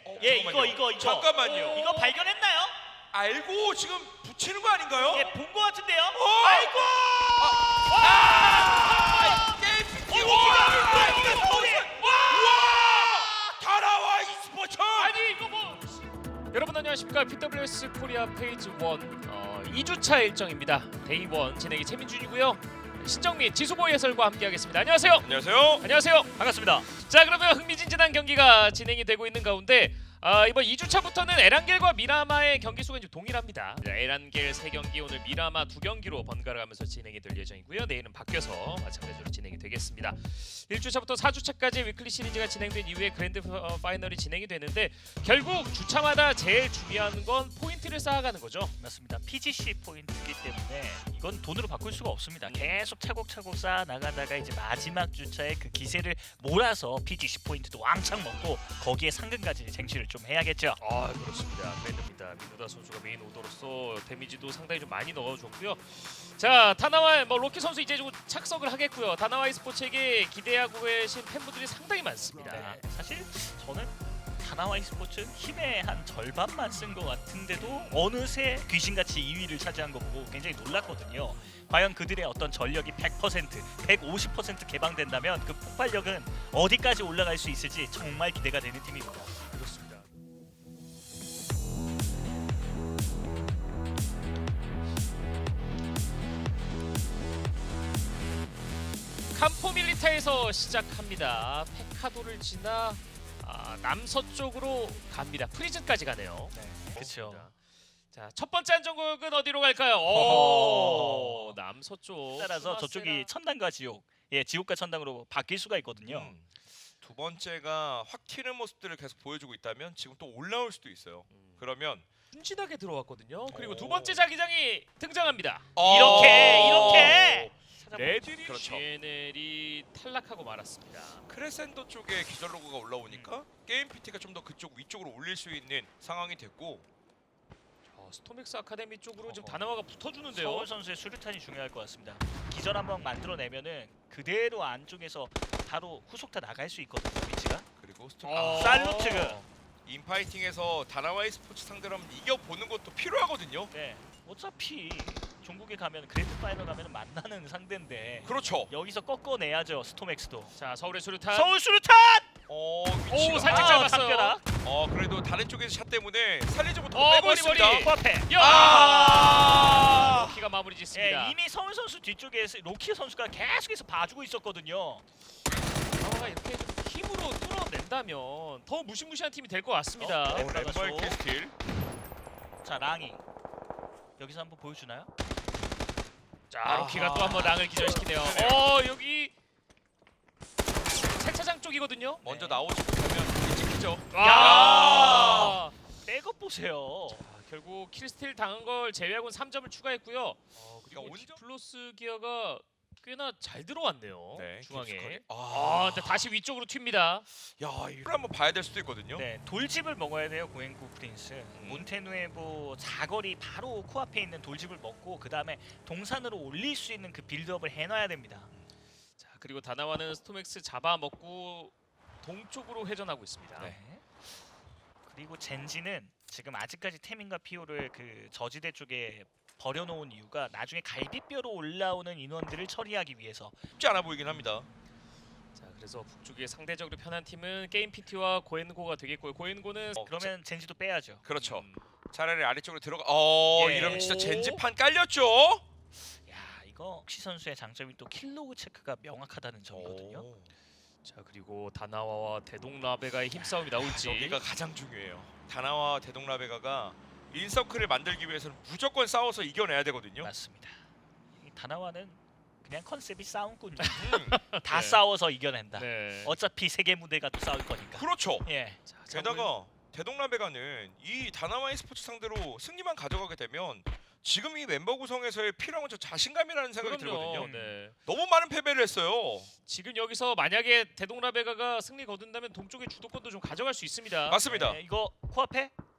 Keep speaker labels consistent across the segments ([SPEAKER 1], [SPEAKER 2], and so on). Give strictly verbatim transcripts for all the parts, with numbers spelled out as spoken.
[SPEAKER 1] 어,
[SPEAKER 2] 예,
[SPEAKER 1] 잠깐만요.
[SPEAKER 2] 이거 이거 이거.
[SPEAKER 1] 잠깐만요.
[SPEAKER 2] 이거 발견했나요?
[SPEAKER 1] 알고 지금 붙이는 거 아닌가요?
[SPEAKER 2] 예, 본 거 같은데요.
[SPEAKER 1] 어!
[SPEAKER 2] 아이고!
[SPEAKER 1] 아! 게임
[SPEAKER 2] 어,
[SPEAKER 1] 와!
[SPEAKER 2] 이거
[SPEAKER 1] 이게
[SPEAKER 2] 이거
[SPEAKER 1] 서울이 와! 다 나와 e스포츠.
[SPEAKER 3] 아니 이거 뭐 여러분 안녕하십니까. 피더블유에스 코리아 페이지 일 어, 이 주차 일정입니다. 데이 일 진행이 최민준이고요. 신정민, 지수보이 해설과 함께하겠습니다. 안녕하세요.
[SPEAKER 1] 안녕하세요.
[SPEAKER 3] 안녕하세요.
[SPEAKER 2] 반갑습니다.
[SPEAKER 3] 자, 그러면 흥미진진한 경기가 진행이 되고 있는 가운데 아, 이번 이 주차부터는 에란겔과 미라마의 경기 수가 이제 동일합니다. 자, 에란겔 세 경기, 오늘 미라마 두 경기로 번갈아가면서 진행이 될 예정이고요. 내일은 바뀌어서 마찬가지로 진행이 되겠습니다. 일 주차부터 사 주차까지 위클리 시리즈가 진행된 이후에 그랜드 파이널이 진행이 되는데 결국 주차마다 제일 중요한 건 포인트를 쌓아가는 거죠.
[SPEAKER 2] 맞습니다. 피지씨 포인트이기 때문에 이건 돈으로 바꿀 수가 없습니다. 계속 차곡차곡 쌓아 나가다가 이제 마지막 주차에 그 기세를 몰아서 피지씨 포인트도 왕창 먹고 거기에 상금까지 쟁취를 좀 해야겠죠.
[SPEAKER 3] 아, 그렇습니다. 그랜드입니다. 미노다 선수가 메인 오더로서 데미지도 상당히 좀 많이 넣어줬고요. 자, 다나와 뭐 로키 선수 이제 좀 착석을 하겠고요. 다나와 e스포츠에게 기대하고 계신 팬분들이 상당히 많습니다.
[SPEAKER 2] 네, 사실 저는 다나와 e스포츠 힘의 한 절반만 쓴 것 같은데도 어느새 귀신같이 이 위를 차지한 거 보고 굉장히 놀랐거든요. 과연 그들의 어떤 전력이 백 퍼센트, 백오십 퍼센트 개방된다면 그 폭발력은 어디까지 올라갈 수 있을지 정말 기대가 되는 팀입니다.
[SPEAKER 3] 그렇습니다. 캄포 밀리타에서 시작합니다. 페카도를 지나 아, 남서쪽으로 갑니다. 프리즌까지 가네요.
[SPEAKER 2] 네, 그렇죠.
[SPEAKER 3] 자, 첫 번째 안전구역은 어디로 갈까요? 오, 남서쪽.
[SPEAKER 2] 따라서 저쪽이 천당과 지옥, 예, 지옥과 천당으로 바뀔 수가 있거든요.
[SPEAKER 1] 음, 두 번째가 확 튀는 모습들을 계속 보여주고 있다면 지금 또 올라올 수도 있어요.
[SPEAKER 3] 음.
[SPEAKER 1] 그러면
[SPEAKER 3] 순진하게 들어왔거든요. 그리고
[SPEAKER 1] 오.
[SPEAKER 3] 두 번째 자기장이 등장합니다.
[SPEAKER 2] 이렇게 이렇게
[SPEAKER 3] 레드리
[SPEAKER 1] 그렇죠.
[SPEAKER 3] 지엔엘이 탈락하고 말았습니다.
[SPEAKER 1] 크레센도 쪽에 기절 로고가 올라오니까 게임 피티가 좀 더 그쪽 위쪽으로 올릴 수 있는 상황이 됐고
[SPEAKER 3] 어, 스톰엑스 아카데미 쪽으로 지금
[SPEAKER 1] 어허.
[SPEAKER 3] 다나와가 붙어주는데요.
[SPEAKER 2] 서울 선수의 수류탄이 중요할 것 같습니다. 기절 한번 만들어내면은 그대로 안쪽에서 바로 후속타 나갈 수 있거든요. 위치가.
[SPEAKER 1] 그리고 스톱
[SPEAKER 3] 어.
[SPEAKER 1] 아,
[SPEAKER 2] 살루트가.
[SPEAKER 1] 인파이팅에서 다나와 e스포츠 상대로 한번 이겨보는 것도 필요하거든요.
[SPEAKER 2] 네. 어차피 종국에 가면 그랜드 파이널 가면 만나는 상대인데
[SPEAKER 1] 그렇죠.
[SPEAKER 2] 여기서 꺾어내야죠. 스톰엑스도.
[SPEAKER 3] 자, 서울의 수류탄.
[SPEAKER 2] 서울 수류탄!
[SPEAKER 1] 어,
[SPEAKER 3] 오,
[SPEAKER 1] 위치가
[SPEAKER 3] 살짝
[SPEAKER 2] 아,
[SPEAKER 3] 잡았어요.
[SPEAKER 2] 담벼락.
[SPEAKER 1] 어, 그래도 다른 쪽에서 샷 때문에 살리지 못하고
[SPEAKER 3] 어,
[SPEAKER 1] 빼고
[SPEAKER 3] 머리,
[SPEAKER 1] 있습니다.
[SPEAKER 3] 머리.
[SPEAKER 2] 코앞에.
[SPEAKER 3] 야!
[SPEAKER 1] 아!
[SPEAKER 3] 로키가 마무리 짓습니다.
[SPEAKER 2] 예, 이미 서울 선수 뒤쪽에 로키 선수가 계속해서 봐주고 있었거든요.
[SPEAKER 3] 다나와가 이렇게 좀 힘으로 뚫어낸다면 더 무시무시한 팀이 될 것 같습니다.
[SPEAKER 2] 어,
[SPEAKER 1] 어,
[SPEAKER 2] 네.
[SPEAKER 1] 램바이크 스틸.
[SPEAKER 2] 자, 랑이. 여기서 한번 보여주나요?
[SPEAKER 3] 자, 로키가
[SPEAKER 1] 아하.
[SPEAKER 3] 또 한번 랑을 기절시키네요.
[SPEAKER 1] 그러네요.
[SPEAKER 3] 어, 여기 세차장 쪽이거든요.
[SPEAKER 1] 먼저
[SPEAKER 2] 네.
[SPEAKER 1] 나오지 못하면 찍히죠.
[SPEAKER 3] 야!
[SPEAKER 2] 백업 보세요.
[SPEAKER 3] 자, 결국 킬스틸 당한 걸 제외하고는 삼 점을 추가했고요.
[SPEAKER 1] 어,
[SPEAKER 3] 그리고
[SPEAKER 1] 그러니까 온전
[SPEAKER 3] 디플로스 기어가 꽤나 잘 들어왔네요.
[SPEAKER 1] 네,
[SPEAKER 3] 중앙에.
[SPEAKER 1] 깊숙하게.
[SPEAKER 3] 아,
[SPEAKER 1] 아,
[SPEAKER 3] 근데 다시 위쪽으로 튑니다.
[SPEAKER 1] 야, 이걸 한번 봐야 될 수도 있거든요.
[SPEAKER 2] 네, 돌집을 먹어야 돼요. 고행구 프린스.
[SPEAKER 1] 음.
[SPEAKER 2] 몬테누에보 사거리 바로 코앞에 있는 돌집을 먹고 그 다음에 동산으로 올릴 수 있는 그 빌드업을 해놔야 됩니다.
[SPEAKER 3] 자, 그리고 다나와는 스톰엑스 잡아먹고 동쪽으로 회전하고 있습니다.
[SPEAKER 1] 네.
[SPEAKER 2] 그리고 젠지는 지금 아직까지 태민과 피오를 그 저지대 쪽에 버려놓은 이유가 나중에 갈비뼈로 올라오는 인원들을 처리하기 위해서.
[SPEAKER 1] 쉽지 않아 보이긴 합니다.
[SPEAKER 3] 자, 그래서 북쪽에 상대적으로 편한 팀은 게임 피티와 고엔고가 되겠고요. 고엔고는
[SPEAKER 1] 어,
[SPEAKER 2] 그러면 젠지도 빼야죠.
[SPEAKER 1] 그렇죠.
[SPEAKER 3] 음,
[SPEAKER 1] 차라리 아래쪽으로 들어가. 어,
[SPEAKER 2] 예.
[SPEAKER 1] 이러면 진짜 젠지판 깔렸죠.
[SPEAKER 2] 야, 이거 옥시 선수의 장점이 또 킬로그 체크가 명확하다는 점이거든요.
[SPEAKER 1] 오,
[SPEAKER 3] 자, 그리고 다나와와 대동라베가의 힘싸움이 나올지.
[SPEAKER 1] 여기가 가장 중요해요. 다나와 대동라베가가 인서클을 만들기 위해서는 무조건 싸워서 이겨내야 되거든요.
[SPEAKER 2] 맞습니다. 이 다나와는 그냥 컨셉이 싸움꾼.
[SPEAKER 1] 음,
[SPEAKER 2] 다
[SPEAKER 1] 네.
[SPEAKER 2] 싸워서 이겨낸다.
[SPEAKER 3] 네.
[SPEAKER 2] 어차피 세계 무대가 또 싸울 거니까.
[SPEAKER 1] 그렇죠.
[SPEAKER 2] 예.
[SPEAKER 3] 자,
[SPEAKER 1] 게다가 대동라베가는 이 다나와 e스포츠 상대로 승리만 가져가게 되면 지금 이 멤버 구성에서의 필요한 저 자신감이라는 생각이
[SPEAKER 3] 그럼요.
[SPEAKER 1] 들거든요.
[SPEAKER 3] 네.
[SPEAKER 1] 너무 많은 패배를 했어요.
[SPEAKER 3] 지금 여기서 만약에 대동라베가가 승리 거둔다면 동쪽의 주도권도 좀 가져갈 수 있습니다.
[SPEAKER 1] 맞습니다.
[SPEAKER 2] 네, 이거 코앞에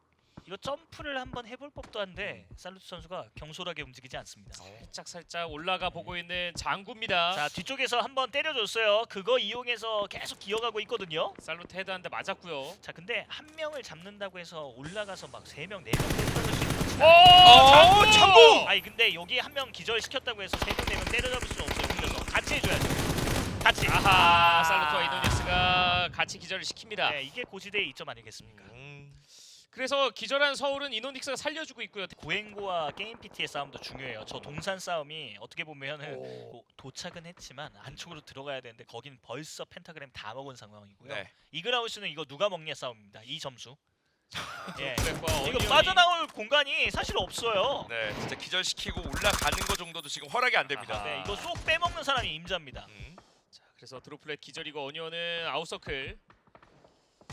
[SPEAKER 2] 이거 점프를 한번 해볼 법도 한데 살루트 선수가 경솔하게 움직이지 않습니다.
[SPEAKER 3] 살짝 살짝 올라가 보고 있는 장구입니다.
[SPEAKER 2] 자 뒤쪽에서 한번 때려줬어요. 그거 이용해서 계속 기어가고 있거든요.
[SPEAKER 3] 살루트 헤드 한 대 맞았고요.
[SPEAKER 2] 자 근데 한 명을 잡는다고 해서 올라가서 막 세 명, 네 명 때려잡을 수 있는
[SPEAKER 3] 오,
[SPEAKER 1] 어, 장구!
[SPEAKER 2] 아니 근데 여기 한 명 기절시켰다고 해서 세 명, 네 명 때려잡을 수는 없어요. 그래서 같이 해줘야죠. 같이.
[SPEAKER 3] 아하,
[SPEAKER 2] 아.
[SPEAKER 3] 살루트와 이노닉스가 같이 기절을 시킵니다.
[SPEAKER 2] 네, 이게 고지대의 이점 아니겠습니까?
[SPEAKER 1] 음,
[SPEAKER 3] 그래서 기절한 서울은 이노닉스가 살려주고 있고요.
[SPEAKER 2] 고행고와 게임 피티의 싸움도 중요해요. 저 동산 싸움이 어떻게 보면은
[SPEAKER 3] 오.
[SPEAKER 2] 뭐 도착은 했지만 안쪽으로 들어가야 되는데 거긴 벌써 펜타그램 다 먹은 상황이고요.
[SPEAKER 1] 네.
[SPEAKER 2] 이그라우스는 이거 누가 먹냐 싸움입니다. 이 점수. 예.
[SPEAKER 3] 드랙과
[SPEAKER 2] 이거
[SPEAKER 3] 어니언이-
[SPEAKER 2] 빠져나올 공간이 사실 없어요.
[SPEAKER 1] 네, 진짜 기절시키고 올라가는 거 정도도 지금 허락이 안 됩니다.
[SPEAKER 3] 아하.
[SPEAKER 2] 네, 이거 쏙 빼먹는 사람이 임자입니다.
[SPEAKER 1] 음.
[SPEAKER 3] 자, 그래서 드로플렛 기절이고 어니언은 아웃서클. 자,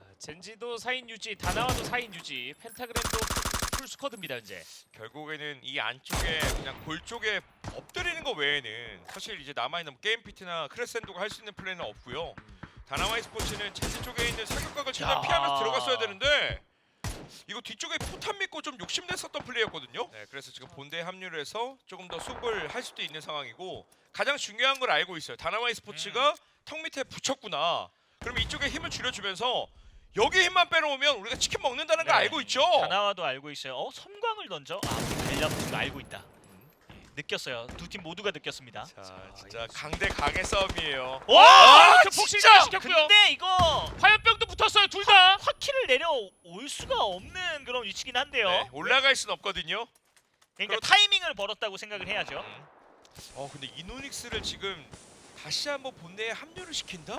[SPEAKER 3] 젠지도 사 인 유지, 다나와도 사 인 유지, 펜타그램도 풀 스쿼드입니다 이제.
[SPEAKER 1] 결국에는 이 안쪽에 그냥 골 쪽에 엎드리는 거 외에는 사실 이제 남아있는 뭐 게임 피트나 크레센도가 할 수 있는 플레이는 없고요. 다나와이 스포츠는 젠지 쪽에 있는 사격각을 최대한
[SPEAKER 2] 야.
[SPEAKER 1] 피하면서 들어갔어야 되는데 이거 뒤쪽에 포탄 믿고 좀 욕심냈었던 플레이였거든요. 네, 그래서 지금 본대에 합류를 해서 조금 더 수급을 할 수도 있는 상황이고 가장 중요한 걸 알고 있어요. 다나와이 스포츠가
[SPEAKER 2] 음.
[SPEAKER 1] 턱 밑에 붙였구나. 그럼 이쪽에 힘을 줄여주면서 여기 힘만 빼놓으면 우리가 치킨 먹는다는 걸
[SPEAKER 2] 네.
[SPEAKER 1] 알고 있죠.
[SPEAKER 2] 다나와도 알고 있어요. 어 섬광을 던져? 아 우리 달려붙은 거 알고 있다. 예, 느꼈어요. 두 팀 모두가 느꼈습니다.
[SPEAKER 1] 자,
[SPEAKER 3] 자,
[SPEAKER 1] 진짜
[SPEAKER 3] 이거
[SPEAKER 1] 강대 강의 싸움이에요.
[SPEAKER 2] 와!
[SPEAKER 1] 아,
[SPEAKER 3] 그 폭신을 시켰고요.
[SPEAKER 2] 근데 이거
[SPEAKER 3] 화염병도 붙었어요 둘 다.
[SPEAKER 2] 화키를 내려올 수가 없는 그런 위치긴 한데요.
[SPEAKER 1] 네, 올라갈 순 없거든요.
[SPEAKER 2] 그러니까
[SPEAKER 1] 그렇-
[SPEAKER 2] 타이밍을 벌었다고 생각을 해야죠.
[SPEAKER 1] 음. 어 근데 이노닉스를 지금 다시 한번 본대에 합류를 시킨다?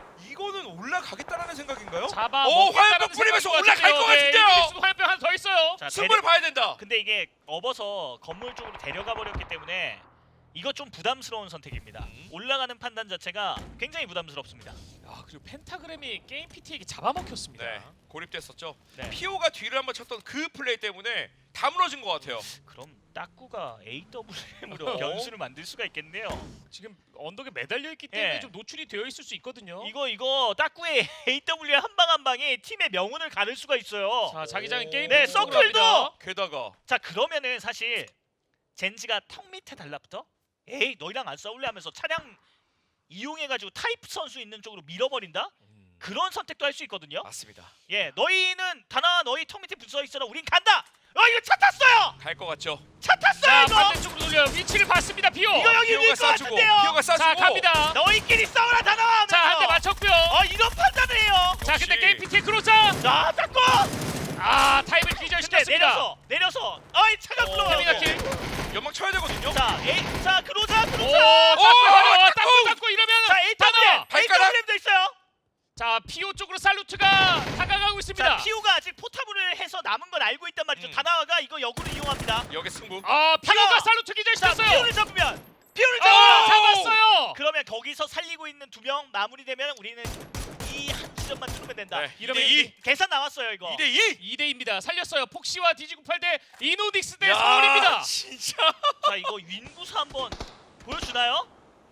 [SPEAKER 1] 이거는 올라가겠다라는 생각인가요?
[SPEAKER 3] 잡아
[SPEAKER 1] 오,
[SPEAKER 3] 먹겠다라는
[SPEAKER 1] 화염병 뿌리면서
[SPEAKER 3] 생각인
[SPEAKER 1] 올라갈 것
[SPEAKER 3] 같은데요. 네,
[SPEAKER 1] 같은데요?
[SPEAKER 3] 이노닉스도 화염병 하나 더 있어요.
[SPEAKER 2] 자,
[SPEAKER 1] 승부를 봐야 된다.
[SPEAKER 2] 근데 이게 업어서 건물 쪽으로 데려가 버렸기 때문에 이거 좀 부담스러운 선택입니다.
[SPEAKER 1] 음.
[SPEAKER 2] 올라가는 판단 자체가 굉장히 부담스럽습니다.
[SPEAKER 3] 아 그리고 펜타그램이 게임 피티에게 잡아먹혔습니다.
[SPEAKER 1] 네, 고립됐었죠.
[SPEAKER 2] 네.
[SPEAKER 1] 피오가 뒤를 한번 쳤던 그 플레이 때문에 다 무너진 것 같아요.
[SPEAKER 2] 그럼 따꾸가 에이더블유엠으로
[SPEAKER 1] 어?
[SPEAKER 2] 변수를 만들 수가 있겠네요.
[SPEAKER 3] 지금 언덕에 매달려 있기 때문에
[SPEAKER 2] 예.
[SPEAKER 3] 좀 노출이 되어 있을 수 있거든요.
[SPEAKER 2] 이거 이거 따꾸의 에이더블유엠 한 방 한 방에 팀의 명운을 가를 수가 있어요.
[SPEAKER 3] 자 자기장은
[SPEAKER 1] 오.
[SPEAKER 3] 게임
[SPEAKER 2] 네,
[SPEAKER 3] 피티 쪽으로
[SPEAKER 2] 서클도!
[SPEAKER 3] 갑니다.
[SPEAKER 1] 게다가
[SPEAKER 2] 자 그러면은 사실 젠지가 턱 밑에 달라붙어 에이 너희랑 안 싸울래 하면서 차량 이용해가지고 타이프 선수 있는 쪽으로 밀어버린다?
[SPEAKER 3] 음.
[SPEAKER 2] 그런 선택도 할 수 있거든요.
[SPEAKER 1] 맞습니다.
[SPEAKER 2] 예, 너희는 다나 너희 턱 밑에 붙어 있어라. 우린 간다. 어 이거 차 탔어요.
[SPEAKER 1] 갈 것 같죠.
[SPEAKER 2] 차 탔어요
[SPEAKER 3] 자
[SPEAKER 2] 이거.
[SPEAKER 3] 반대쪽으로 돌려요. 위치를 봤습니다. 비오.
[SPEAKER 2] 이거 여기
[SPEAKER 1] 피오가
[SPEAKER 2] 밀 것
[SPEAKER 1] 쏴주고,
[SPEAKER 2] 같은데요.
[SPEAKER 1] 피오가 쏴주고.
[SPEAKER 3] 자 갑니다.
[SPEAKER 2] 너희끼리 싸우라 다나와 하면서.
[SPEAKER 3] 자 한 대 맞췄고요.
[SPEAKER 2] 어 이런 판단을 해요.
[SPEAKER 3] 자 근데
[SPEAKER 1] 역시.
[SPEAKER 3] 게임 피티의 크로자.
[SPEAKER 2] 자 닦고.
[SPEAKER 3] 아 타임을
[SPEAKER 2] 근데
[SPEAKER 3] 기절시켰습니다.
[SPEAKER 2] 내려서 내려서. 어이 차가
[SPEAKER 1] 어,
[SPEAKER 2] 불러요.
[SPEAKER 3] 태민아 킬.
[SPEAKER 1] 연막 쳐야 되거든요.
[SPEAKER 2] 자 에이 자 그로자
[SPEAKER 3] 오
[SPEAKER 2] 그로자.
[SPEAKER 3] 닦고
[SPEAKER 1] 오,
[SPEAKER 3] 하려. 닦고
[SPEAKER 1] 닦고!
[SPEAKER 3] 닦고 이러면
[SPEAKER 2] 자 에이더블유엠
[SPEAKER 3] 다나와.
[SPEAKER 1] 발가락?
[SPEAKER 2] 에이더블유엠도 있어요.
[SPEAKER 3] 자 피오 쪽으로 살루트가 다가가고 있습니다.
[SPEAKER 2] 자 피오가 아직 포탑을 해서 남은 건 알고 있단 말이죠.
[SPEAKER 1] 음.
[SPEAKER 2] 다나와가 이거 역으로 이용합니다.
[SPEAKER 1] 여기 승부.
[SPEAKER 3] 아 피오가
[SPEAKER 2] 다나와.
[SPEAKER 3] 살루트
[SPEAKER 2] 자
[SPEAKER 3] 기절시켰어요.
[SPEAKER 2] 피오를 잡으면 피오를
[SPEAKER 3] 아
[SPEAKER 2] 잡으면
[SPEAKER 3] 잡았어요.
[SPEAKER 2] 그러면 거기서 살리고 있는 두 명 마무리되면 우리는 이 한 지점만 뚫으면 된다.
[SPEAKER 1] 네,
[SPEAKER 3] 이러면
[SPEAKER 1] 이 대 이.
[SPEAKER 2] 계산 나왔어요 이거.
[SPEAKER 1] 이 대 이.
[SPEAKER 3] 이 대입니다. 살렸어요. 폭시와 디지구팔 대 이노닉스 대
[SPEAKER 1] 야,
[SPEAKER 3] 서울입니다.
[SPEAKER 1] 진짜.
[SPEAKER 2] 자 이거 윈구사 한번 보여주나요?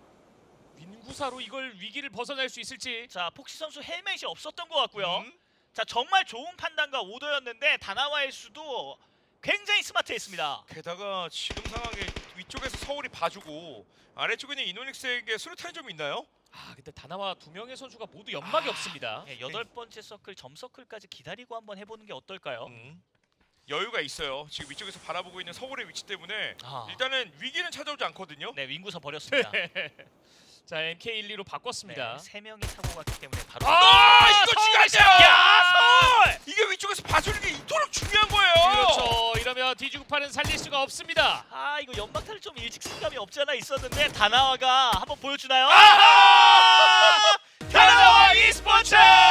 [SPEAKER 3] 민구사로 이걸 위기를 벗어날 수 있을지.
[SPEAKER 2] 자 폭시 선수 헬멧이 없었던 것 같고요.
[SPEAKER 1] 음?
[SPEAKER 2] 자 정말 좋은 판단과 오더였는데 다나와의 수도 굉장히 스마트했습니다.
[SPEAKER 1] 게다가 지금 상황에 위쪽에서 서울이 봐주고 아래쪽에 있는 이노닉스에게 수류탄이 좀 있나요?
[SPEAKER 3] 아 근데 다나와 두 명의 선수가 모두 연막이 없습니다.
[SPEAKER 2] 예, 여덟 번째 서클 점 서클까지 기다리고 한번 해보는 게 어떨까요?
[SPEAKER 1] 음. 여유가 있어요. 지금 위쪽에서 바라보고 있는 서울의 위치 때문에
[SPEAKER 2] 아.
[SPEAKER 1] 일단은 위기는 찾아오지 않거든요.
[SPEAKER 2] 네 윈구사 버렸습니다.
[SPEAKER 3] 자 엠케이 일이로 바꿨습니다.
[SPEAKER 2] 네, 세 명이 사고 갔기 때문에 바로.
[SPEAKER 1] 아, 이거
[SPEAKER 3] 서울의
[SPEAKER 1] 중요하죠.
[SPEAKER 2] 야 서울!
[SPEAKER 1] 이게 위쪽에서 봐주는 게 이토록 중요한 거예요.
[SPEAKER 3] 그렇죠. 이러면 디지구팔은 살릴 수가 없습니다.
[SPEAKER 2] 아 이거 연막탄을 좀 일찍 쓴 감이 없지 않아 있었는데 다나와가 한번 보여주나요?
[SPEAKER 1] 아하!
[SPEAKER 3] 다나와
[SPEAKER 2] e스포츠!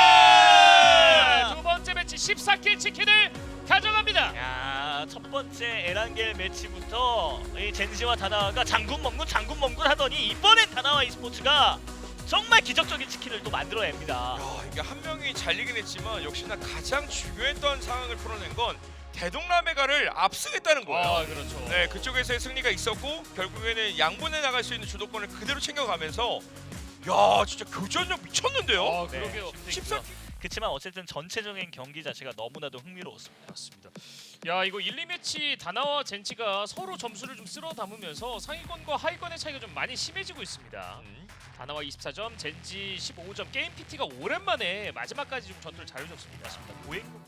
[SPEAKER 3] 두 번째 매치 십사 킬 치킨을 가져갑니다.
[SPEAKER 2] 야, 첫 번째 에란겔 매치부터 이 젠지와 다나와가 장군 먹군 장군 먹군 하더니 이번엔 다나와 e스포츠가 정말 기적적인 치킨을 또 만들어냅니다.
[SPEAKER 1] 야, 이게 한 명이 잘리긴 했지만 역시나 가장 중요했던 상황을 풀어낸 건 대동라메가를 앞서겠다는 거예요.
[SPEAKER 3] 아 그렇죠.
[SPEAKER 1] 네, 그쪽에서의 승리가 있었고 결국에는 양분에 나갈 수 있는 주도권을 그대로 챙겨가면서 야, 진짜 교전력 미쳤는데요.
[SPEAKER 3] 아
[SPEAKER 2] 네,
[SPEAKER 3] 그러게요.
[SPEAKER 2] 힘도
[SPEAKER 1] 십사
[SPEAKER 2] 있고요. 그렇지만 어쨌든 전체적인 경기 자체가 너무나도 흥미로웠습니다.
[SPEAKER 3] 맞습니다. 야 이거 일, 이 매치 다나와 젠지가 서로 점수를 좀 쓸어 담으면서 상위권과 하위권의 차이가 좀 많이 심해지고 있습니다.
[SPEAKER 1] 음.
[SPEAKER 3] 다나와 이십사 점, 젠지 십오 점. 게임 피티가 오랜만에 마지막까지 좀 전투를 잘해줬습니다.
[SPEAKER 2] 고행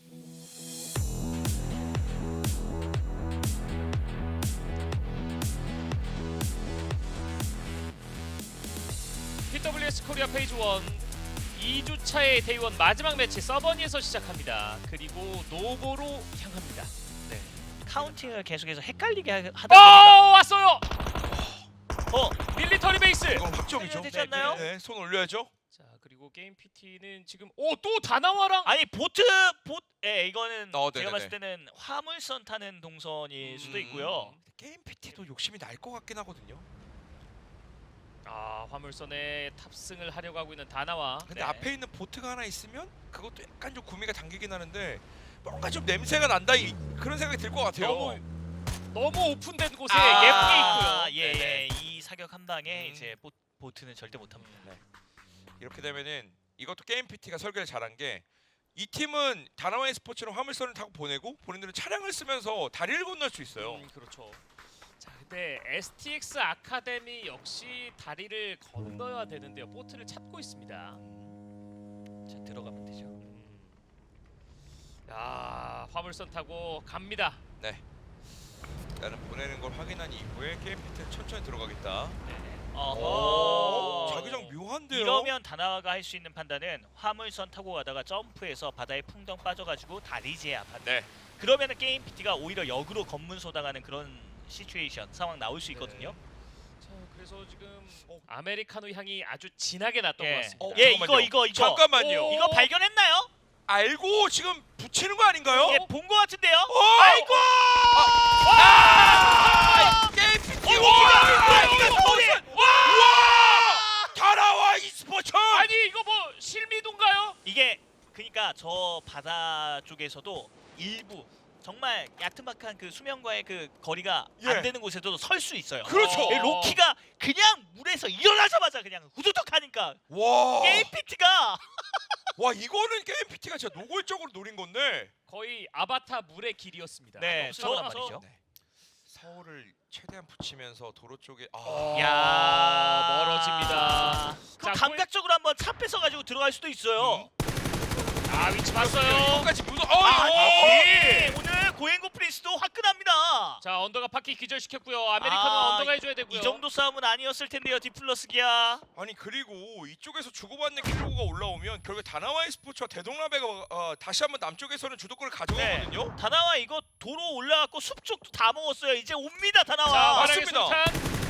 [SPEAKER 3] 피더블유에스 코리아 페이지 일 이 주차의 데이원 마지막 매치 서버니에서 시작합니다. 그리고 노보로 향합니다.
[SPEAKER 2] 네. 카운팅을 계속해서 헷갈리게 하- 하다
[SPEAKER 3] 어
[SPEAKER 2] 보니까
[SPEAKER 3] 왔어요.
[SPEAKER 2] 어
[SPEAKER 3] 밀리터리 베이스.
[SPEAKER 1] 이거 확정이죠.
[SPEAKER 2] 되지 않나요?
[SPEAKER 1] 네, 손 올려야죠.
[SPEAKER 3] 자 그리고 게임 피티는 지금 오 또 다나와랑
[SPEAKER 2] 아니 보트 보 예, 이거는
[SPEAKER 1] 어,
[SPEAKER 2] 제가
[SPEAKER 1] 네네네.
[SPEAKER 2] 봤을 때는 화물선 타는 동선일 수도
[SPEAKER 1] 음.
[SPEAKER 2] 있고요.
[SPEAKER 1] 게임 피티도 욕심이 날 것 같긴 하거든요.
[SPEAKER 3] 아 화물선에 탑승을 하려고 하고 있는 다나와.
[SPEAKER 1] 근데
[SPEAKER 2] 네.
[SPEAKER 1] 앞에 있는 보트가 하나 있으면 그것도 약간 좀 구미가 당기긴 하는데 뭔가 좀 냄새가 난다 이, 그런 생각이 들 것 같아요.
[SPEAKER 3] 너무 너무 오픈된 곳에
[SPEAKER 2] 아,
[SPEAKER 3] 예쁘게 있고요.
[SPEAKER 2] 예,
[SPEAKER 3] 네네.
[SPEAKER 2] 예. 이 사격 한 방에
[SPEAKER 1] 음.
[SPEAKER 2] 이제 보, 보트는 절대 못 합니다.
[SPEAKER 1] 네. 이렇게 되면은 이것도 게임 피티가 설계를 잘한 게 이 팀은 다나와이 스포츠로 화물선을 타고 보내고 본인들은 차량을 쓰면서 다리를 건널 수 있어요.
[SPEAKER 3] 음, 그렇죠. 자 근데 에스티엑스 아카데미 역시 다리를 건너야 되는데요. 보트를 찾고 있습니다.
[SPEAKER 2] 자 들어가면 되죠.
[SPEAKER 3] 음. 야 화물선 타고 갑니다.
[SPEAKER 1] 나는 보내는 걸 확인한 이후에 게임 피티는 천천히 들어가겠다.
[SPEAKER 2] 어허.
[SPEAKER 1] 자기장 묘한데요.
[SPEAKER 2] 이러면 다나와가 할 수 있는 판단은 화물선 타고 가다가 점프해서 바다에 풍덩 빠져가지고 다리 제압하는.
[SPEAKER 1] 네.
[SPEAKER 2] 그러면은 게임 피티가 오히려 역으로 검문 소당하는 그런 시츄에이션 상황 나올 수 있거든요.
[SPEAKER 3] 자 그래서 지금 아메리카노 향이 아주 진하게 났던
[SPEAKER 2] 예.
[SPEAKER 3] 것 같습니다.
[SPEAKER 1] 어,
[SPEAKER 2] 예,
[SPEAKER 1] 잠깐만요.
[SPEAKER 2] 이거 이거 이거
[SPEAKER 1] 잠깐만요.
[SPEAKER 3] 오.
[SPEAKER 2] 이거 발견했나요?
[SPEAKER 1] 알고 지금 붙이는 거 아닌가요?
[SPEAKER 2] 예, 본 거 같은데요.
[SPEAKER 1] 어!
[SPEAKER 2] 아이고!
[SPEAKER 1] 아! 게임 피티
[SPEAKER 2] 어,
[SPEAKER 1] 와!
[SPEAKER 2] 이거, 이거, 이거 서울이!
[SPEAKER 1] 와! 다나와 e스포츠!
[SPEAKER 3] 아니 이거 뭐 실미도인가요?
[SPEAKER 2] 이게 그러니까 저 바다 쪽에서도 일부 정말 얕은박한 그 수면과의 그 거리가
[SPEAKER 1] 예.
[SPEAKER 2] 안 되는 곳에도 설 수 있어요.
[SPEAKER 1] 그렇죠.
[SPEAKER 3] 어.
[SPEAKER 2] 이 로키가 그냥 물에서 일어나자마자 그냥 후두둑 하니까
[SPEAKER 1] 와!
[SPEAKER 2] 게임 피티가
[SPEAKER 1] 와 이거는 게임 피티가 진짜 노골적으로 노린 건데.
[SPEAKER 3] 거의 아바타 물의 길이었습니다.
[SPEAKER 2] 네,
[SPEAKER 3] 없으란
[SPEAKER 2] 저-
[SPEAKER 3] 말이죠.
[SPEAKER 1] 네. 서울을 최대한 붙이면서 도로 쪽에 아.
[SPEAKER 3] 어.
[SPEAKER 2] 야
[SPEAKER 3] 멀어집니다.
[SPEAKER 2] 그럼
[SPEAKER 3] 자,
[SPEAKER 2] 감각적으로 한번 차 뺏어 가지고 들어갈 수도 있어요.
[SPEAKER 3] 아 위치 봤어요.
[SPEAKER 1] 이거까지 묻어. 어,
[SPEAKER 2] 아,
[SPEAKER 1] 어,
[SPEAKER 2] 예. 오늘 고행고 프린스도 화끈합니다.
[SPEAKER 3] 자 언더가 바퀴 기절시켰고요. 아메리카노
[SPEAKER 2] 아,
[SPEAKER 3] 언더가 해줘야 되고요.
[SPEAKER 2] 이 정도 싸움은 아니었을 텐데요, 디플러스 기아.
[SPEAKER 1] 아니 그리고 이쪽에서 주고받는 킬로가 올라오면 결국 다나와이 스포츠와 대동라베가 어, 다시 한번 남쪽에서는 주도권을 가져가거든요.
[SPEAKER 2] 다나와 이거 도로 올라갔고 숲 쪽도 다 먹었어요. 이제 옵니다,
[SPEAKER 3] 자
[SPEAKER 2] 다나와.
[SPEAKER 3] 화랑의
[SPEAKER 1] 맞습니다.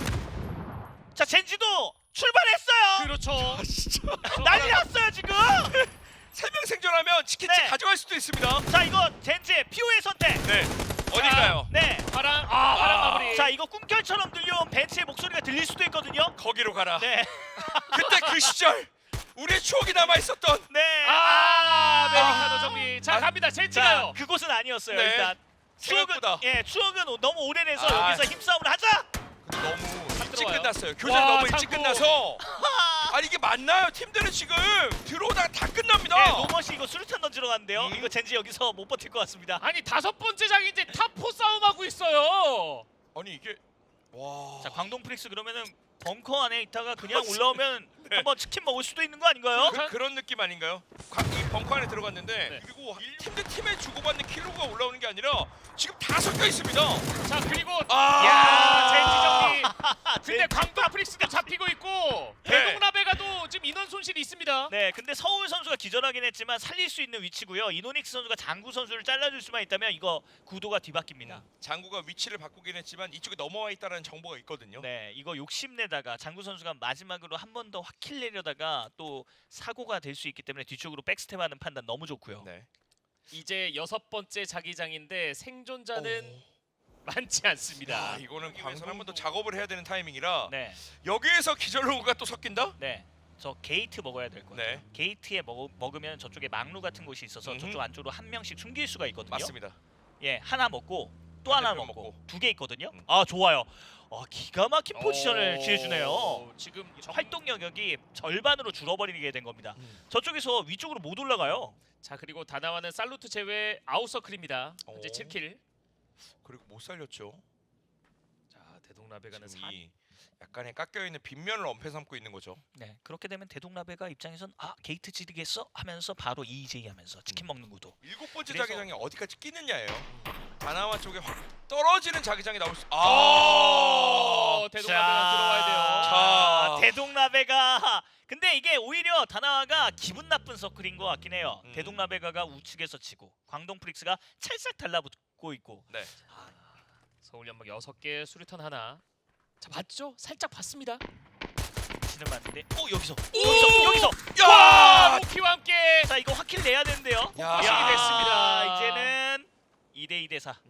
[SPEAKER 3] 술탄.
[SPEAKER 2] 자, 젠지도 출발했어요.
[SPEAKER 3] 그렇죠.
[SPEAKER 1] 아 진짜
[SPEAKER 2] 난리 났어요, 지금.
[SPEAKER 1] 세 명 생존하면 치킨집
[SPEAKER 2] 네.
[SPEAKER 1] 가져갈 수도 있습니다.
[SPEAKER 2] 자, 이거 젠지의 피오의 선택.
[SPEAKER 1] 네. 어딜까요?
[SPEAKER 2] 네.
[SPEAKER 3] 화랑 아 화랑
[SPEAKER 1] 아.
[SPEAKER 3] 마무리.
[SPEAKER 2] 자, 이거 꿈결처럼 들려온 벤츠의 목소리가 들릴 수도 있거든요.
[SPEAKER 1] 거기로 가라.
[SPEAKER 2] 네.
[SPEAKER 1] 그때 그 시절 우리의 추억이 남아 있었던.
[SPEAKER 2] 네.
[SPEAKER 3] 아 아메리카노 정리. 자
[SPEAKER 1] 아.
[SPEAKER 3] 갑니다.
[SPEAKER 2] 자,
[SPEAKER 3] 젠지가요.
[SPEAKER 2] 그곳은 아니었어요.
[SPEAKER 1] 네.
[SPEAKER 2] 일단 추억은
[SPEAKER 1] 생각보다.
[SPEAKER 2] 예, 추억은 너무 오래돼서
[SPEAKER 1] 아.
[SPEAKER 2] 여기서 힘싸움을 하자.
[SPEAKER 1] 근데 너무 일찍
[SPEAKER 3] 들어와요.
[SPEAKER 1] 끝났어요. 교전
[SPEAKER 3] 와,
[SPEAKER 1] 너무 일찍
[SPEAKER 3] 창구.
[SPEAKER 1] 끝나서. 아니 이게 맞나요? 팀들은 지금 들어오다가 다 끝납니다.
[SPEAKER 2] 네, 노머시 이거 수류탄 던지러 갔는데요.
[SPEAKER 1] 음.
[SPEAKER 2] 이거 젠지 여기서 못 버틸 것 같습니다.
[SPEAKER 3] 아니 다섯 번째 장인데 탑포 싸움하고 있어요.
[SPEAKER 1] 아니 이게 와.
[SPEAKER 2] 자, 광동 프릭스 그러면은 벙커 안에 있다가 그냥 올라오면 한번 치킨 먹을 수도 있는 거 아닌가요?
[SPEAKER 1] 그, 그런 느낌 아닌가요? 과- 이 벙커 안에 들어갔는데
[SPEAKER 3] 네.
[SPEAKER 1] 그리고 팀 대 팀에 주고받는 킬로가 올라오는 게 아니라 지금 다 섞여 있습니다.
[SPEAKER 3] 자 그리고
[SPEAKER 1] 아,
[SPEAKER 3] 야 젠지 정리. 근데
[SPEAKER 2] 젠지.
[SPEAKER 3] 광동 프릭스도 잡히고 있고
[SPEAKER 1] 네.
[SPEAKER 3] 대동라베가도 지금 인원 손실이 있습니다.
[SPEAKER 2] 네, 근데 서울 선수가 기절하긴 했지만 살릴 수 있는 위치고요. 이노닉스 선수가 장구 선수를 잘라줄 수만 있다면 이거 구도가 뒤바뀝니다.
[SPEAKER 1] 장구가 위치를 바꾸긴 했지만 이쪽에 넘어와 있다는 정보가 있거든요.
[SPEAKER 2] 네, 이거 욕심내다가 장구 선수가 마지막으로 한 번 더 확킬 내려다가 또 사고가 될 수 있기 때문에 뒤쪽으로 백스텝하는 판단 너무 좋고요.
[SPEAKER 1] 네.
[SPEAKER 3] 이제 여섯 번째 자기장인데 생존자는
[SPEAKER 1] 오.
[SPEAKER 3] 많지 않습니다.
[SPEAKER 1] 야, 이거는 광선 한번 더 작업을 해야 되는 타이밍이라
[SPEAKER 2] 네,
[SPEAKER 1] 여기에서 기절로가 또 섞인다?
[SPEAKER 2] 네. 저 게이트 먹어야 될 거예요.
[SPEAKER 1] 네.
[SPEAKER 2] 게이트에 먹, 먹으면 저쪽에 망루 같은 곳이 있어서
[SPEAKER 1] 음흠.
[SPEAKER 2] 저쪽 안쪽으로 한 명씩 숨길 수가 있거든요.
[SPEAKER 1] 맞습니다.
[SPEAKER 2] 예, 하나 먹고 또 하나
[SPEAKER 1] 반대편
[SPEAKER 2] 먹고
[SPEAKER 1] 먹고.
[SPEAKER 2] 두 개 있거든요.
[SPEAKER 1] 음.
[SPEAKER 2] 아 좋아요. 아 기가 막힌 포지션을
[SPEAKER 3] 어,
[SPEAKER 2] 취해주네요.
[SPEAKER 3] 지금 정...
[SPEAKER 2] 활동 영역이 절반으로 줄어버리게 된 겁니다.
[SPEAKER 1] 음.
[SPEAKER 2] 저쪽에서 위쪽으로 못 올라가요.
[SPEAKER 3] 자 그리고 다나와는 살루트 제외 아웃서클입니다. 현재
[SPEAKER 1] 오.
[SPEAKER 3] 칠 킬.
[SPEAKER 1] 그리고 못 살렸죠.
[SPEAKER 3] 자 대동라베가는
[SPEAKER 1] 지금
[SPEAKER 3] 사...
[SPEAKER 1] 이 약간의 깎여 있는 빗면을 엄폐 삼고 있는 거죠.
[SPEAKER 2] 네 그렇게 되면 대동라베가 입장에선 아 게이트 지르겠어 하면서 바로 이제이 하면서 치킨
[SPEAKER 1] 음.
[SPEAKER 2] 먹는 구도.
[SPEAKER 1] 일곱 번째
[SPEAKER 2] 그래서-
[SPEAKER 1] 자기장이 어디까지 끼느냐예요. 다나와 쪽에 확 떨어지는 자기장이 나올 수. 아.
[SPEAKER 3] 어, 대동라베가 들어와야 돼요.
[SPEAKER 1] 자.
[SPEAKER 2] 대동라베가 근데 이게 오히려 다나와가 기분 나쁜 서클인 것 같긴 해요.
[SPEAKER 1] 음.
[SPEAKER 2] 대동라베가가 우측에서 치고 광동 프릭스가 찰싹 달라붙고 있고.
[SPEAKER 1] 네.
[SPEAKER 3] 서울 연막 여섯 개, 수류탄 하나. 자 봤죠? 살짝 봤습니다.
[SPEAKER 2] 치는 맞는데. 어 여기서
[SPEAKER 3] 오!
[SPEAKER 2] 여기서 여기서.
[SPEAKER 3] 와
[SPEAKER 1] 야!
[SPEAKER 3] 로키와 함께.
[SPEAKER 2] 자 이거 확킬 내야 되는데요.
[SPEAKER 1] 야.
[SPEAKER 3] 확실히 됐습니다.
[SPEAKER 2] 이제는 이 대 이 대 사.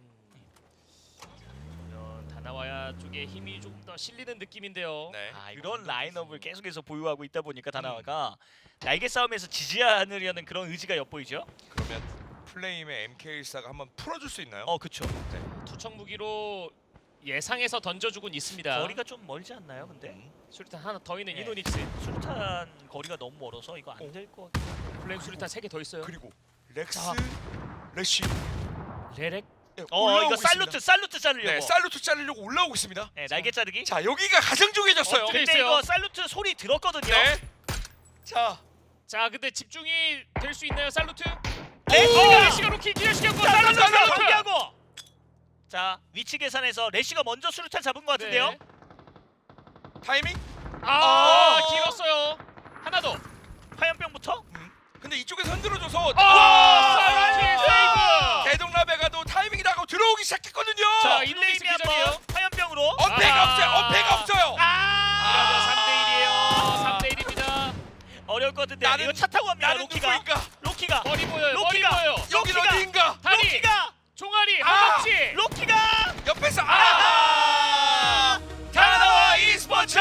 [SPEAKER 3] 그러면 다나와야 쪽에 힘이 좀 더 실리는 느낌인데요.
[SPEAKER 1] 네.
[SPEAKER 2] 아, 이런 라인업을 계속해서 보유하고 있다 보니까 다나와가 날개 싸움에서 지지 않으려는 그런 의지가 엿보이죠.
[SPEAKER 1] 그러면 플레임의 엠케이일사가 한번 풀어줄 수 있나요?
[SPEAKER 2] 어 그쵸.
[SPEAKER 3] 투척 무기로 예상해서 던져주곤 있습니다.
[SPEAKER 2] 거리가 좀 멀지 않나요? 근데
[SPEAKER 1] 음.
[SPEAKER 3] 수류탄 하나 더 있는
[SPEAKER 2] 네.
[SPEAKER 3] 이노닉스.
[SPEAKER 2] 수류탄 거리가 너무 멀어서 이거 안 될 것 같아요.
[SPEAKER 3] 플레임 수류탄 세 개 더 있어요.
[SPEAKER 1] 그리고 렉스
[SPEAKER 3] 자.
[SPEAKER 1] 레시.
[SPEAKER 3] 레렉.
[SPEAKER 1] 네,
[SPEAKER 2] 어
[SPEAKER 1] 올라오고
[SPEAKER 2] 이거 살루트
[SPEAKER 1] 있습니다.
[SPEAKER 2] 살루트 자르려고.
[SPEAKER 1] 네, 살루트 자르려고 올라오고 있습니다.
[SPEAKER 2] 네, 날개 자르기.
[SPEAKER 1] 자, 여기가 가장 중요해졌어요.
[SPEAKER 3] 어,
[SPEAKER 2] 근데
[SPEAKER 3] 있어요.
[SPEAKER 2] 이거 살루트 소리 들었거든요.
[SPEAKER 1] 네. 자,
[SPEAKER 3] 자 근데 집중이 될 수 있나요 살루트?
[SPEAKER 2] 레시가!
[SPEAKER 3] 레시가 로키 기절시켰고
[SPEAKER 2] 자, 살루트
[SPEAKER 3] 살루트 살루트.
[SPEAKER 2] 경기하고. 자 위치 계산해서 레시가 먼저 수류탄 잡은 것 같은데요.
[SPEAKER 3] 네.
[SPEAKER 1] 타이밍?
[SPEAKER 3] 아
[SPEAKER 1] 어.
[SPEAKER 3] 길었어요. 하나 더.
[SPEAKER 2] 화염병부터.
[SPEAKER 1] 음. 근데 이쪽에서 흔들어줘서
[SPEAKER 3] 아 살루트 세이브.
[SPEAKER 1] 대동라베가도 타이밍이 나고 들어오기 시작했거든요.
[SPEAKER 3] 자,
[SPEAKER 2] 자
[SPEAKER 3] 이노닉스
[SPEAKER 2] 플레임이
[SPEAKER 3] 기절이에요.
[SPEAKER 2] 한번 화염병으로.
[SPEAKER 1] 어패가
[SPEAKER 3] 아.
[SPEAKER 1] 없어요. 어패가 없어요.
[SPEAKER 3] 이러면 삼 대 일이에요.
[SPEAKER 2] 아.
[SPEAKER 3] 삼 대 일입니다.
[SPEAKER 2] 어려울 것 같은데
[SPEAKER 1] 나는-
[SPEAKER 2] 이거 차 타고 갑니다.
[SPEAKER 1] 나는
[SPEAKER 2] 로키가.
[SPEAKER 1] 누구인가?
[SPEAKER 2] 로키가.
[SPEAKER 3] 머리 보여요. 머리
[SPEAKER 2] 로키가.
[SPEAKER 3] 보여요.
[SPEAKER 1] 여긴
[SPEAKER 2] 로키가.
[SPEAKER 1] 어디인가?
[SPEAKER 3] 다리.
[SPEAKER 2] 로키가.
[SPEAKER 3] 종아리.
[SPEAKER 1] 아.
[SPEAKER 3] 허벅지.
[SPEAKER 2] 로키가.
[SPEAKER 1] 옆에서
[SPEAKER 2] 아!
[SPEAKER 1] 아! 다나와 e스포츠!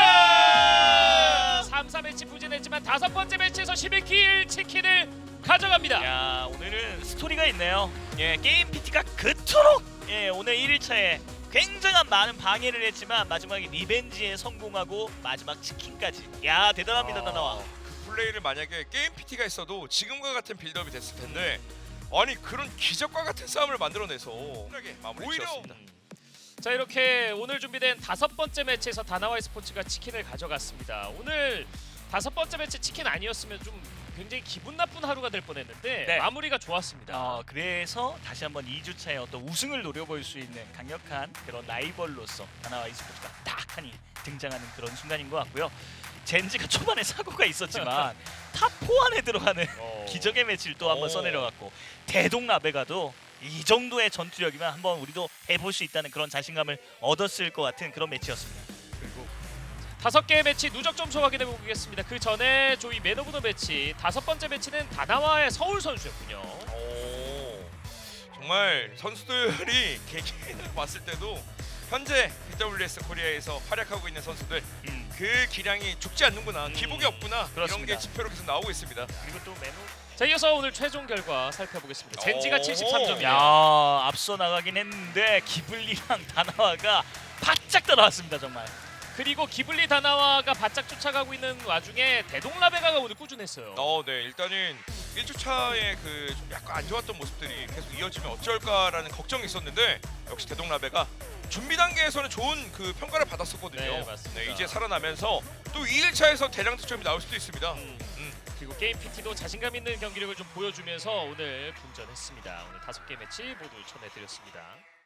[SPEAKER 3] 삼, 사 매치 부진했지만 다섯 번째 매치에서 십일 킬 치킨을 가져갑니다.
[SPEAKER 2] 야 오늘은 스토리가 있네요. 예 게임 피티가 그토록 예 오늘 일 일차에 굉장한 많은 방해를 했지만 마지막에 리벤지에 성공하고 마지막 치킨까지. 야 대단합니다 다나와.
[SPEAKER 1] 그 플레이를 만약에 게임 피티가 있어도 지금과 같은 빌드업이 됐을 텐데 아니 그런 기적과 같은 싸움을 만들어내서 마무리
[SPEAKER 2] 오히려-
[SPEAKER 1] 지었습니다.
[SPEAKER 3] 자 이렇게 오늘 준비된 다섯 번째 매치에서 다나와 스포츠가 치킨을 가져갔습니다. 오늘 다섯 번째 매치 치킨 아니었으면 좀 굉장히 기분 나쁜 하루가 될 뻔했는데
[SPEAKER 2] 네.
[SPEAKER 3] 마무리가 좋았습니다.
[SPEAKER 2] 어, 그래서 다시 한번 이 주차에 어떤 우승을 노려볼 수 있는 강력한 그런 라이벌로서 다나와 e스포츠가 딱하니 등장하는 그런 순간인 것 같고요. 젠지가 초반에 사고가 있었지만 탑 사 안에 들어가는
[SPEAKER 3] 어.
[SPEAKER 2] 기적의 매치를 또 한번
[SPEAKER 1] 오.
[SPEAKER 2] 써내려갔고 대동라베가도 이 정도의 전투력이면 한번 우리도 해볼 수 있다는 그런 자신감을 얻었을 것 같은 그런 매치였습니다.
[SPEAKER 3] 그리고 다섯 개의 매치 누적 점수 확인해 보겠습니다. 그 전에 조이 맨 오브 더 매치 다섯 번째 매치는 다나와의 서울 선수였군요.
[SPEAKER 1] 오, 정말 선수들이 개개인으로 봤을 때도 현재 비더블유에스 코리아에서 활약하고 있는 선수들
[SPEAKER 2] 음.
[SPEAKER 1] 그 기량이 죽지 않는구나,
[SPEAKER 2] 음,
[SPEAKER 1] 기복이 없구나 이런
[SPEAKER 2] 그렇습니다.
[SPEAKER 1] 게 지표로 계속 나오고 있습니다.
[SPEAKER 2] 그리고 또 맨
[SPEAKER 3] 자 이어서 오늘 최종 결과 살펴보겠습니다. 젠지가
[SPEAKER 1] 오.
[SPEAKER 3] 칠십삼 점이에요.
[SPEAKER 2] 야 앞서 나가긴 했는데 기블리랑 다나와가 바짝 따라왔습니다 정말.
[SPEAKER 3] 그리고 기블리 다나와가 바짝 쫓아가고 있는 와중에 대동라베가가 오늘 꾸준했어요.
[SPEAKER 1] 어, 네, 일단은 일 주차의 그 좀 약간 안 좋았던 모습들이 계속 이어지면 어쩔까라는 걱정이 있었는데 역시 대동라베가 준비 단계에서는 좋은 그 평가를 받았었거든요.
[SPEAKER 3] 네, 맞습니다.
[SPEAKER 1] 네, 이제 살아나면서 또 이 일차에서 대량 득점이 나올 수도 있습니다.
[SPEAKER 3] 음.
[SPEAKER 1] 음.
[SPEAKER 3] 그리고 게임 피티도 자신감 있는 경기력을 좀 보여주면서 오늘 분전했습니다. 오늘 다섯 개 매치 모두 전해드렸습니다.